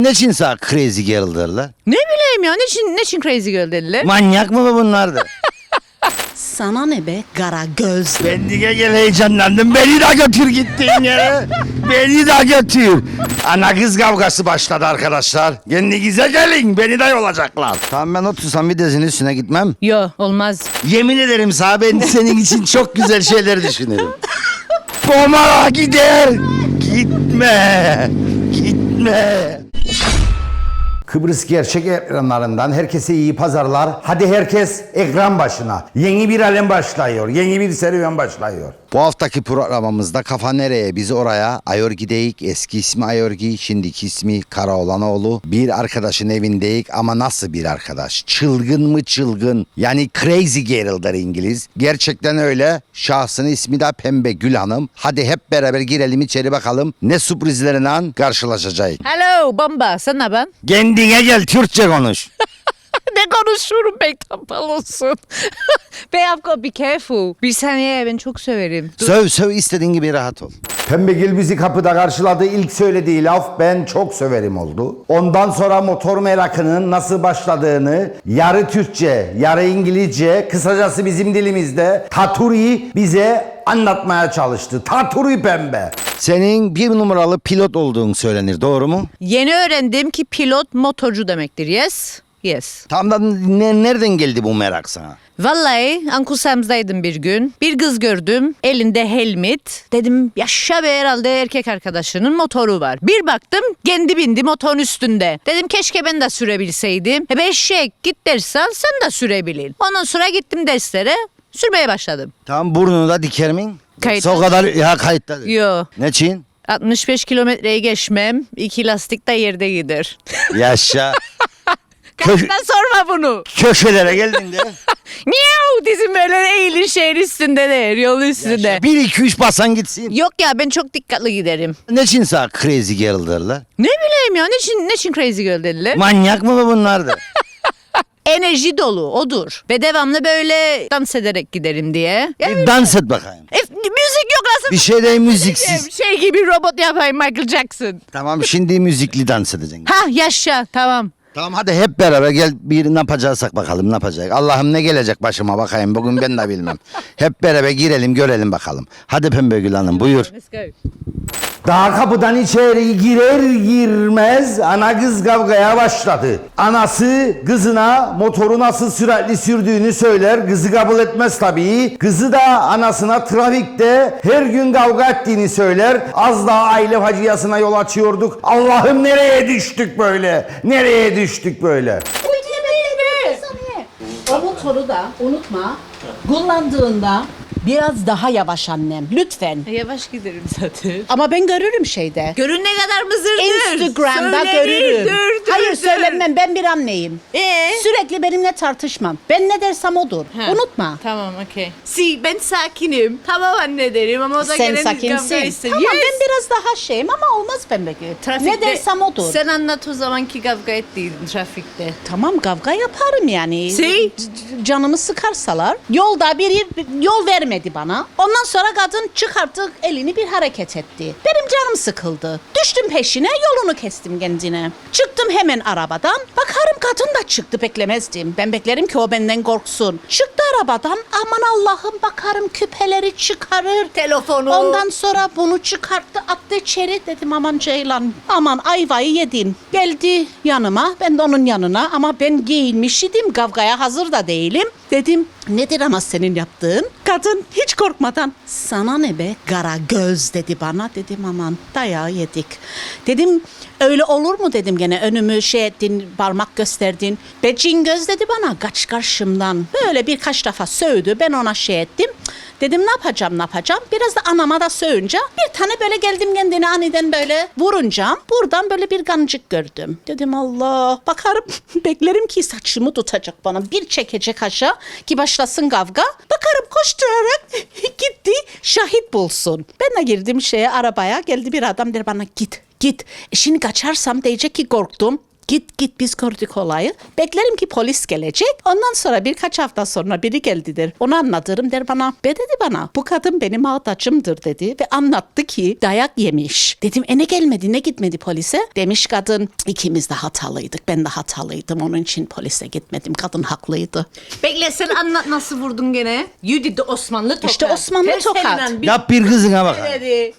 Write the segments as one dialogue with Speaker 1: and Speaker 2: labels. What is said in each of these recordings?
Speaker 1: Ne için sana crazy girl derler?
Speaker 2: Ne bileyim ya, ne için crazy girl dediler?
Speaker 1: Manyak mı bu bunlardı?
Speaker 3: Sana ne be kara göz.
Speaker 1: Bendige gel heyecanlandım. Beni de götür gittiğin yere. Beni de götür. Ana kız kavgası başladı arkadaşlar. Kendinize gelin. Beni de yolacaklar. Tamam ben otursam videsinin üstüne gitmem.
Speaker 2: Yo, olmaz.
Speaker 1: Yemin ederim sana ben senin için çok güzel şeyler düşünürüm. Pomara gider. Gitme. Gitme. Kıbrıs gerçek ekranlarından herkese iyi pazarlar. Hadi herkes ekran başına. Yeni bir alem başlıyor. Yeni bir serüven başlıyor. Bu haftaki programımızda kafa nereye biz oraya. Ayorgi deyik. Eski ismi Ayorgi. Şimdiki ismi Karaoğlanoğlu. Bir arkadaşın evindeyik ama nasıl bir arkadaş? Çılgın mı çılgın? Yani crazy girl'dır İngiliz. Gerçekten öyle. Şahsının ismi de Pembe Gül Hanım. Hadi hep beraber girelim içeri bakalım. Ne sürprizlerle karşılaşacağız.
Speaker 2: Hello bomba, sen ne ben?
Speaker 1: Kendine gel Türkçe konuş.
Speaker 2: Ne konuşuyorum pek tampal olsun. Bey Afko be careful. Bir saniye, ben çok severim.
Speaker 1: Söv istediğin gibi rahat ol. Pembegil bizi kapıda karşıladı. İlk söylediği laf ben çok söverim oldu. Ondan sonra motor merakının nasıl başladığını yarı Türkçe, yarı İngilizce, kısacası bizim dilimizde Taturi bize anlatmaya çalıştı. Taturi Pembe. Senin bir numaralı pilot olduğun söylenir, doğru mu?
Speaker 2: Yeni öğrendim ki pilot motorcu demektir. Yes. Yes.
Speaker 1: Tam da nereden geldi bu merak sana?
Speaker 2: Vallahi Uncle Sam's'daydım bir gün. Bir kız gördüm. Elinde helmet. Dedim yaşa be, herhalde erkek arkadaşının motoru var. Bir baktım kendi bindi motorun üstünde. Dedim keşke ben de sürebilseydim. Be eşek, git ders al, sen de sürebilin. Ondan sonra gittim derslere. Sürmeye başladım.
Speaker 1: Tam burnunu da diker miyim?
Speaker 2: Kayıtta.
Speaker 1: O kadar ya kayıtta.
Speaker 2: Yo.
Speaker 1: Ne için?
Speaker 2: 65 kilometreyi geçmem. 2 lastik de yerde gider.
Speaker 1: Yaşa.
Speaker 2: Kaçtan sorma bunu.
Speaker 1: Köşelere geldin de.
Speaker 2: Miau, dizim böyle eğilir şehir üstünde de, yol üstünde.
Speaker 1: Yaşa. 1 2 3 basan gitsin.
Speaker 2: Yok ya, ben çok dikkatli giderim.
Speaker 1: Ne için sana crazy girl derler?
Speaker 2: Ne bileyim ya, ne için crazy girl dediler?
Speaker 1: Manyak mı bu bunlardı?
Speaker 2: Enerji dolu odur. Ve devamlı böyle dans ederek giderim diye.
Speaker 1: Bir dans et bakayım.
Speaker 2: Müzik yok aslında.
Speaker 1: Bir şey de müziksiz.
Speaker 2: Şey gibi robot yapayım, Michael Jackson.
Speaker 1: Tamam şimdi müzikli dans edeceksin.
Speaker 2: Ha yaşa, tamam.
Speaker 1: Tamam hadi hep beraber gel bir ne yapacaksak bakalım ne yapacak. Allah'ım ne gelecek başıma bakayım bugün ben de bilmem. Hep beraber girelim görelim bakalım. Hadi Pembe Gül Hanım buyur.
Speaker 2: Let's go.
Speaker 1: Daha kapıdan içeri girer girmez ana kız kavgaya başladı. Anası kızına motoru nasıl süratli sürdüğünü söyler. Kızı kabul etmez tabii. Kızı da anasına trafikte her gün kavga ettiğini söyler. Az daha aile faciasına yol açıyorduk. Allah'ım nereye düştük böyle? Nereye düştük böyle?
Speaker 3: O motoru da unutma. Kullandığında biraz daha yavaş annem. Lütfen.
Speaker 2: Yavaş giderim zaten.
Speaker 3: Ama ben görürüm şeyde.
Speaker 2: Görün ne kadar mızırdır.
Speaker 3: Instagram'da
Speaker 2: Söylenir,
Speaker 3: görürüm. Hayır söylenmem, ben bir anneyim. Sürekli benimle tartışmam. Ben ne dersem odur.
Speaker 2: Ha.
Speaker 3: Unutma.
Speaker 2: Tamam, okey. Ben sakinim. Tamam anne derim ama o da
Speaker 3: Sen
Speaker 2: gene bir kavga
Speaker 3: sakinsin.
Speaker 2: ister.
Speaker 3: Tamam
Speaker 2: Yes.
Speaker 3: ben biraz daha şeyim ama olmaz Pembe Gül. Ne dersem odur.
Speaker 2: Sen anlat o zamanki kavga ettiğin trafikte.
Speaker 3: Tamam kavga yaparım yani.
Speaker 2: Şey?
Speaker 3: Canımı sıkarsalar. Yolda biri yol vermedi bana. Ondan sonra kadın çıkarttı elini bir hareket etti. Benim canım sıkıldı. Düştüm peşine, yolunu kestim kendine. Çıktım hemen arabadan. Bakarım kadın da çıktı, beklemezdim. Ben beklerim ki o benden korksun. Çıktı arabadan, aman Allah'ım bakarım küpeleri çıkarır.
Speaker 2: Telefonu.
Speaker 3: Ondan sonra bunu çıkarttı, attı içeri. Dedim aman Ceylan, aman ayvayı yedin. Geldi yanıma, ben de onun yanına ama ben giyinmiş idim, kavgaya hazır da değilim. Dedim nedir ama senin yaptığın? Kadın hiç korkmadan sana ne be kara göz dedi bana. Dedim aman dayağı yedik. Dedim öyle olur mu dedim, gene önümü şey ettin, parmak gösterdin. Be cin göz dedi bana, kaç karşımdan. Böyle birkaç defa sövdü, ben ona şey ettim. Dedim ne yapacağım. Biraz da anama da sövünce bir tane böyle geldim kendine aniden böyle vurunca buradan böyle bir kancık gördüm. Dedim Allah, bakarım beklerim ki saçımı tutacak bana, bir çekecek aşağı ki başlasın kavga. Bakarım koşturarak gitti şahit bulsun. Ben de girdim arabaya, geldi bir adam der bana git. Şimdi kaçarsam diyecek ki korktum. Git biz gördük olayı. Beklerim ki polis gelecek. Ondan sonra birkaç hafta sonra biri geldi der. Onu anlatırım der bana. Dedi bana bu kadın benim ağdacımdır dedi. Ve anlattı ki dayak yemiş. Dedim ne gelmedi ne gitmedi polise? Demiş kadın ikimiz de hatalıydık. Ben de hatalıydım. Onun için polise gitmedim. Kadın haklıydı.
Speaker 2: Bekle sen anlat nasıl vurdun gene. You de Osmanlı tokat.
Speaker 3: İşte Osmanlı
Speaker 2: Ters
Speaker 3: tokat.
Speaker 2: elinden bir
Speaker 1: Yap bir kızına bak.
Speaker 2: dedi.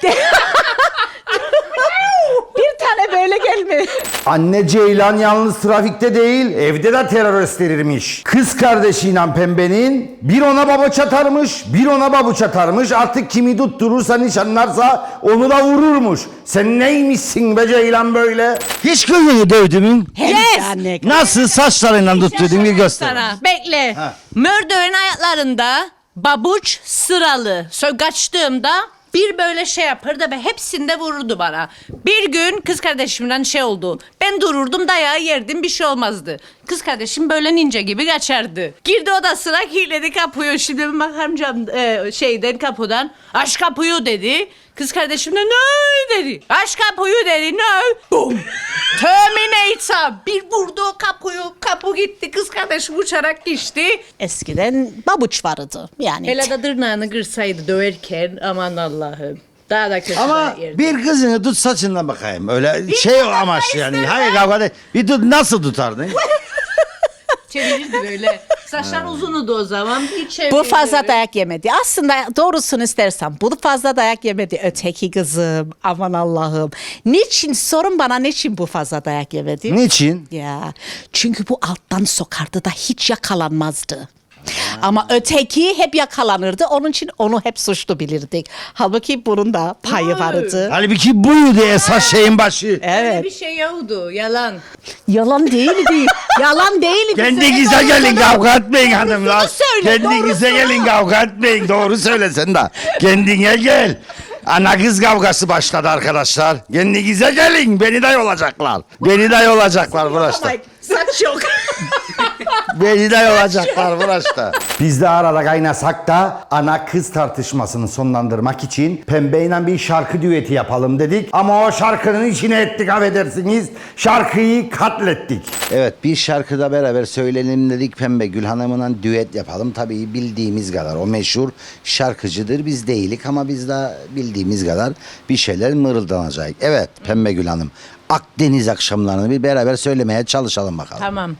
Speaker 3: Bir tane böyle gelme.
Speaker 1: Anne Ceylan yalnız trafikte değil, evde de terör gösterirmiş. Kız kardeşiyle Pembe'nin bir ona babuç atarmış, bir ona babuç atarmış. Artık kimi tutturursa nişanlarsa onu da vururmuş. Sen neymişsin be Ceylan böyle? Hiç kızını dövdü mü?
Speaker 3: Yes.
Speaker 1: Nasıl saçlarıyla tutturdun bir göster.
Speaker 2: Sana. Bekle.
Speaker 1: Ha.
Speaker 2: Mördeğin ayaklarında babuç sıralı. Kaçtığımda bir böyle şey yapardı ve hepsinde vururdu bana. Bir gün kız kardeşimden şey oldu. Ben dururdum dayağı yerdim bir şey olmazdı. Kız kardeşim böyle ninja gibi kaçardı. Girdi odasına kilitledi kapıyı. Şimdi bir bakarım şeyden kapıdan. Aç kapıyı dedi. Kız kardeşim de ne dedi. Aç kapıyı dedi. Ne? Boom. Terminator. Bir vurdu o kapıyı. Kapı gitti. Kız kardeşim uçarak geçti.
Speaker 3: Eskiden babuç vardı. Yani
Speaker 2: Hele de tırnağını kırsaydı döverken aman Allah'ım. Daha da kötü
Speaker 1: Ama
Speaker 2: yerdi.
Speaker 1: bir kızını tut saçından bakayım. Öyle şey amaç yani. Hayır kavga değil. Bir tut nasıl tutardın?
Speaker 2: Çevirirdi böyle. Saçlar uzundu o zaman. Bir çevirdi.
Speaker 3: bu fazla dayak yemedi. Aslında doğrusunu istersen bu fazla dayak yemedi öteki kızım. Aman Allah'ım. Niçin sorun bana niçin bu fazla dayak yemedi?
Speaker 1: Niçin?
Speaker 3: Ya çünkü bu alttan sokardı da hiç yakalanmazdı. Ama öteki hep yakalanırdı. Onun için onu hep suçlu bilirdik. Halbuki bunun da payı vardı.
Speaker 1: Halbuki buydu esas şeyin başı.
Speaker 2: Öyle
Speaker 3: Evet.
Speaker 2: bir şey yoktu. Yalan.
Speaker 3: Yalan değildi. Yalan değildi.
Speaker 1: Kendinize gelin kavga etmeyin hanımlar.
Speaker 2: söyle,
Speaker 1: Kendinize gelin kavga etmeyin. Doğru söylesen de. Kendine gel. Ana kız kavgası başladı arkadaşlar. Kendinize gelin. Beni de yolacaklar. Beni de yolacaklar burası.
Speaker 3: Saç yok.
Speaker 1: Beni de yolacaklar burası. Biz de arada kaynasak da ana kız tartışmasını sonlandırmak için Pembe'yle bir şarkı düeti yapalım dedik. Ama o şarkının içine ettik affedersiniz. Şarkıyı katlettik. Evet bir şarkıda beraber söyleyelim dedik. Pembe Gül Hanım'la düet yapalım. Tabii bildiğimiz kadar o meşhur şarkıcıdır. Biz değilik ama biz de bildiğimiz kadar bir şeyler mırıldanacak. Evet Pembe Gül Hanım. Akdeniz akşamlarını bir beraber söylemeye çalışalım bakalım.
Speaker 2: Tamam.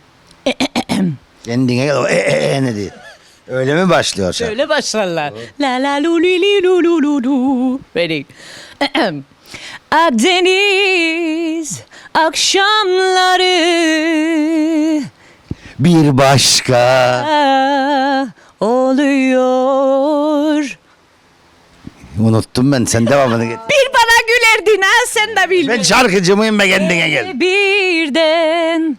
Speaker 1: Kendine gel ne diyor. Öyle mi başlıyor şarkı?
Speaker 2: Öyle başlarlar. La la lu li li lu lu lu lu. Ready. Akdeniz akşamları
Speaker 1: Bir başka.
Speaker 2: oluyor.
Speaker 1: Unuttum ben sen devamını get.
Speaker 2: Bir bana gülerdin ha sen de
Speaker 1: Ben
Speaker 2: bilmiyorsun.
Speaker 1: şarkıcı mıyım be kendine gel.
Speaker 2: Birden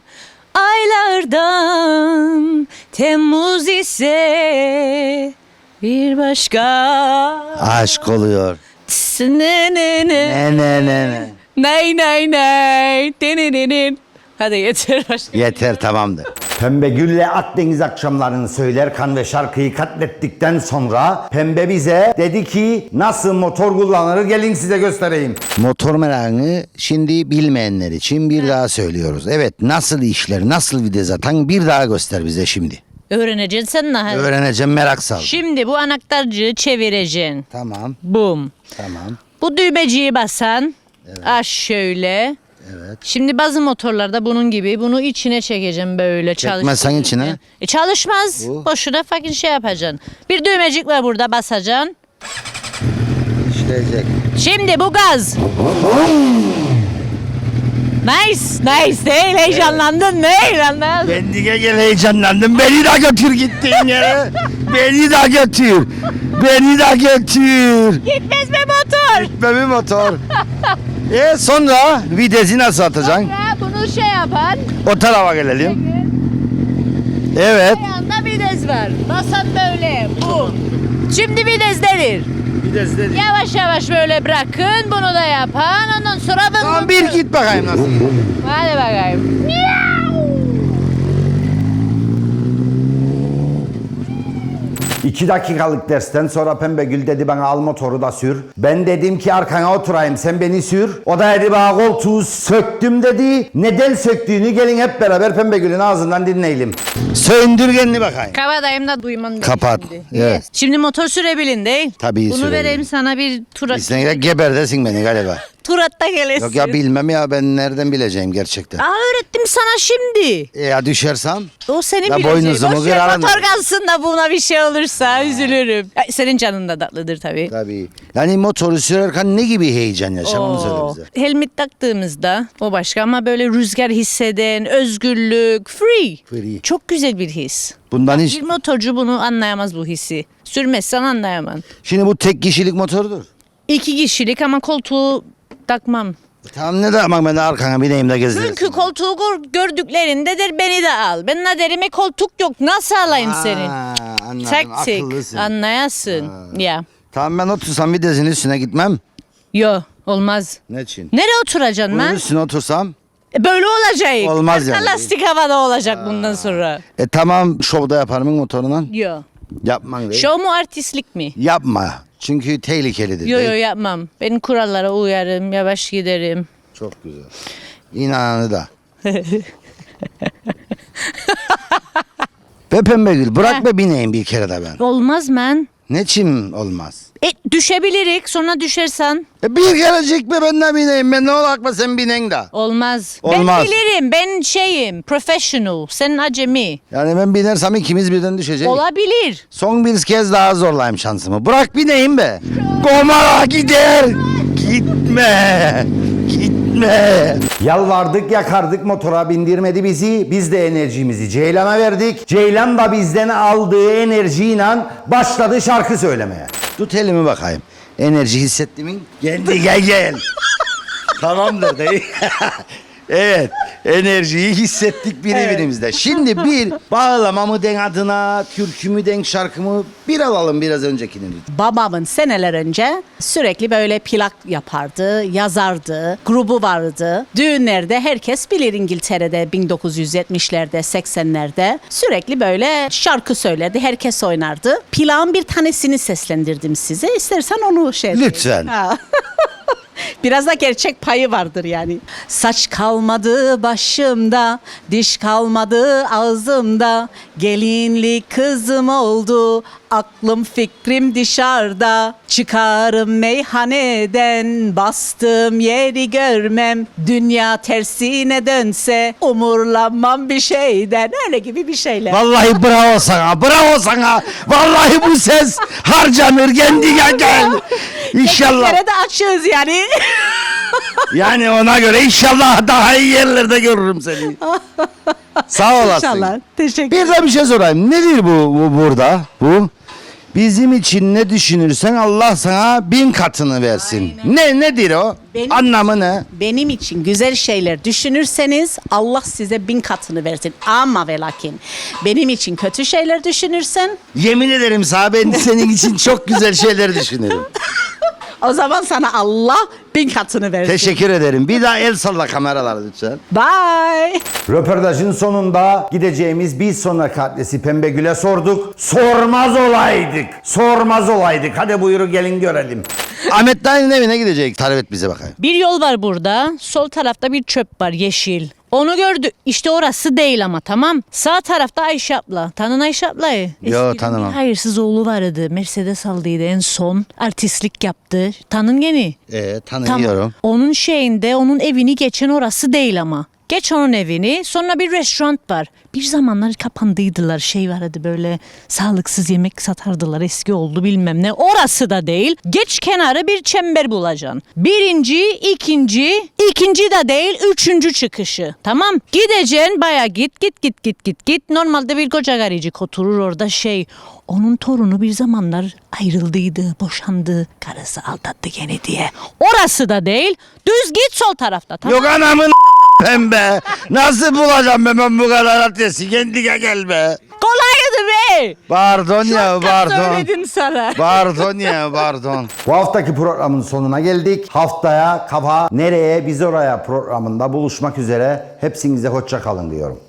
Speaker 2: aylardan Temmuz ise bir başka.
Speaker 1: Aşk oluyor.
Speaker 2: Ne ne ne.
Speaker 1: Ne.
Speaker 2: Ney ney ney. Denenenen. Hadi yeter başka.
Speaker 1: Yeter tamamdır. Pembe Gül'le Akdeniz akşamlarını söylerken ve şarkıyı katlettikten sonra Pembe bize dedi ki nasıl motor kullanılır gelin size göstereyim. Motor merakını şimdi bilmeyenler için bir daha söylüyoruz. Evet nasıl işler nasıl vites atan bir daha göster bize şimdi.
Speaker 2: Öğreneceksin sen ne?
Speaker 1: Öğreneceğim merak sal.
Speaker 2: Şimdi bu anahtarcığı çevireceksin.
Speaker 1: Tamam
Speaker 2: Bum.
Speaker 1: tamam.
Speaker 2: Bu düğmeciyi basan. Aç şöyle.
Speaker 1: Evet.
Speaker 2: Şimdi bazı motorlarda bunun gibi bunu içine çekeceğim böyle
Speaker 1: Çekmezsen içine?
Speaker 2: Çalışmaz.
Speaker 1: Bu.
Speaker 2: Boşuna fakir şey yapacaksın. Bir düğmecik var burada basacaksın.
Speaker 1: İşleyecek.
Speaker 2: Şimdi bu gaz. Nice değil heyecanlandın ne heyecanlandın?
Speaker 1: Kendine gel heyecanlandım. Beni de götür gittiğin yere. Beni de götür. Beni de götür.
Speaker 2: Gitmez mi motor?
Speaker 1: Gitmemi motor. Sonra vitesi nasıl atacaksın?
Speaker 2: Ya bunu şey yapan.
Speaker 1: O tarafa gelelim. Evet.
Speaker 2: Ayağında vites var. Basan böyle. Bu. Şimdi viteslenir.
Speaker 1: Vites dedi.
Speaker 2: Yavaş yavaş böyle bırakın. Bunu da yapan. Ondan sonra ben
Speaker 1: Tamam bir git bakayım nasıl.
Speaker 2: Hadi bakayım.
Speaker 1: 2 dakikalık dersten sonra Pembegül dedi bana al motoru da sür. Ben dedim ki arkana oturayım sen beni sür. O da dedi bana koltuğu söktüm dedi. Neden söktüğünü gelin hep beraber Pembegül'ün ağzından dinleyelim. Söndür kendini bakayım.
Speaker 2: Kabadayım da duyman
Speaker 1: Kapat.
Speaker 2: Şimdi.
Speaker 1: Evet.
Speaker 2: Yes. Şimdi motor sürebilin değil.
Speaker 1: Tabii
Speaker 2: Bunu
Speaker 1: sürebilirim.
Speaker 2: vereyim sana bir tur
Speaker 1: Sen de geberdesin beni galiba.
Speaker 2: tur at da gelesin.
Speaker 1: Yok ya bilmem ya ben nereden bileceğim gerçekten.
Speaker 2: Öğrettim sana şimdi.
Speaker 1: Ya düşersem?
Speaker 2: O senin
Speaker 1: Ya
Speaker 2: bileceğin.
Speaker 1: boynuzumu
Speaker 2: Boş ver,
Speaker 1: kırarım.
Speaker 2: motor kalsın da buna bir şey olursa üzülürüm. Ay, senin canın da tatlıdır tabii.
Speaker 1: Tabii. Yani motoru sürerken ne gibi heyecan yaşam onu söyle
Speaker 2: Oo.
Speaker 1: bize.
Speaker 2: Helmet taktığımızda o başka ama böyle rüzgar hisseden, özgürlük, free.
Speaker 1: Free.
Speaker 2: Çok güzel bir his.
Speaker 1: Bundan hiç...
Speaker 2: Bir motorcu bunu anlayamaz bu hissi. Sürmezsen anlayamam.
Speaker 1: Şimdi bu tek kişilik motordur.
Speaker 2: 2 kişilik ama koltuğu takmam.
Speaker 1: Tamam ne de ama ben de arkana bineyim de gezdirsin.
Speaker 2: Çünkü koltuğu gördüklerinde der beni de al. Ben ne derim koltuk yok nasıl alayım seni?
Speaker 1: Anladım
Speaker 2: Taktik
Speaker 1: akıllısın.
Speaker 2: anlayasın. Ya.
Speaker 1: Tamam ben otursam videosinin üstüne gitmem.
Speaker 2: Yo olmaz.
Speaker 1: Ne için?
Speaker 2: Nereye oturacaksın
Speaker 1: Bunun
Speaker 2: lan?
Speaker 1: üstüne otursam.
Speaker 2: Böyle olacak.
Speaker 1: Olmaz
Speaker 2: Arka
Speaker 1: yani.
Speaker 2: lastik havada olacak bundan sonra.
Speaker 1: Tamam şovda yaparım motoruna.
Speaker 2: Yo.
Speaker 1: Yapman değil.
Speaker 2: Şov mu artistlik mi?
Speaker 1: Yapma. Çünkü tehlikelidir.
Speaker 2: Yo
Speaker 1: değil.
Speaker 2: yo yapmam. Ben kurallara uyarım, yavaş giderim.
Speaker 1: Çok güzel. İnananı da. Be Pembegül bırak be bineyim bir kere de ben.
Speaker 2: Olmaz men.
Speaker 1: Ne için olmaz?
Speaker 2: Düşebilirik sonra düşersen.
Speaker 1: Bir kerecik be ben de bineyim. Ben ne olak mı sen binen de.
Speaker 2: Olmaz.
Speaker 1: Olmaz.
Speaker 2: Ben bilirim. Ben şeyim. Professional. Sen acemi.
Speaker 1: Yani ben binersem ikimiz birden düşeceğiz.
Speaker 2: Olabilir.
Speaker 1: Son bir kez daha zorlayayım şansımı. Bırak bineyim be. Komara gider. Gitme. Gitme. Yalvardık yakardık motora bindirmedi bizi. Biz de enerjimizi Ceylan'a verdik. Ceylan da bizden aldığı enerjiyle başladı şarkı söylemeye. Tut elimi bakayım. Enerji hissettin mi? Geldi gel. Tamamdır değil. Evet, enerjiyi hissettik birbirimizde. Şimdi bir bağlama mı den adına, türkü mü den şarkı mı bir alalım biraz öncekini.
Speaker 3: Babamın seneler önce sürekli böyle plak yapardı, yazardı, grubu vardı. Düğünlerde herkes bilir İngiltere'de 1970'lerde, 80'lerde sürekli böyle şarkı söylerdi, herkes oynardı. Plağın bir tanesini seslendirdim size. İstersen onu
Speaker 1: Lütfen.
Speaker 3: Ha. Biraz da gerçek payı vardır yani. Saç kalmadı başımda, diş kalmadı ağzımda. Gelinlik kızım oldu, aklım fikrim dışarıda. Çıkarım meyhaneden, bastığım yeri görmem. Dünya tersine dönse, umurlanmam bir şeyden. Öyle gibi bir şeyler.
Speaker 1: Vallahi bravo sana, bravo sana. Vallahi bu ses harcanır kendine gel. İnşallah.
Speaker 3: Tekliflere de açığız yani.
Speaker 1: Yani ona göre inşallah daha iyi yerlerde görürüm seni. Sağ olasın.
Speaker 3: İnşallah. Teşekkür
Speaker 1: Bir de bir şey sorayım. Nedir bu burada? Bu? Bizim için ne düşünürsen Allah sana 1000 katını versin. Nedir o?
Speaker 3: Benim-
Speaker 1: Anlamı ne?
Speaker 3: Benim için güzel şeyler düşünürseniz Allah size 1000 katını versin. Ama ve lakin benim için kötü şeyler düşünürsen
Speaker 1: Yemin ederim sana ben senin için çok güzel şeyler düşünürüm.
Speaker 3: o zaman sana Allah 1000 katını versin.
Speaker 1: Teşekkür ederim. Bir daha el salla kameralara lütfen.
Speaker 3: Bye.
Speaker 1: Röportajın sonunda gideceğimiz bir sonraki adresi Pembegül'e sorduk. Sormaz olaydık. Sormaz olaydık. Hadi buyurun gelin görelim. Ahmet Dayı'nın evine gidecek. Tarif et bize bakayım.
Speaker 2: Bir yol var burada. Sol tarafta bir çöp var yeşil. Onu gördü. İşte orası değil ama tamam. Sağ tarafta Ayşe abla. Tanın Ayşe ablayı.
Speaker 1: Yo,
Speaker 2: Eskiden
Speaker 1: tanımam.
Speaker 2: bir hayırsız oğlu vardı. Mercedes aldıydı en son. Artistlik yaptı. Tanın yeni.
Speaker 1: Tanıyorum.
Speaker 2: Onun şeyinde onun evini geçen orası değil ama. Geç onun evini sonra bir restoran var. Bir zamanlar kapandıydılar şey vardı böyle sağlıksız yemek satardılar eski oldu bilmem ne. Orası da değil. Geç kenarı bir çember bulacaksın. Birinci, ikinci de değil üçüncü çıkışı. Tamam gideceksin baya git. Normalde bir koca garicik oturur orada şey. Onun torunu bir zamanlar ayrıldıydı, boşandı. Karısı aldattı gene diye. Orası da değil. Düz git sol tarafta. Tamam.
Speaker 1: Yok anamın pembe. Nasıl bulacağım ben bu kadar adresi? Kendine gel be.
Speaker 2: Kolaydı be.
Speaker 1: Pardon ya pardon.
Speaker 2: Söyledim sana.
Speaker 1: Pardon ya pardon. Bu haftaki programın sonuna geldik. Haftaya Kafa Nereye Biz Oraya programında buluşmak üzere. Hepsinize hoşça kalın diyorum.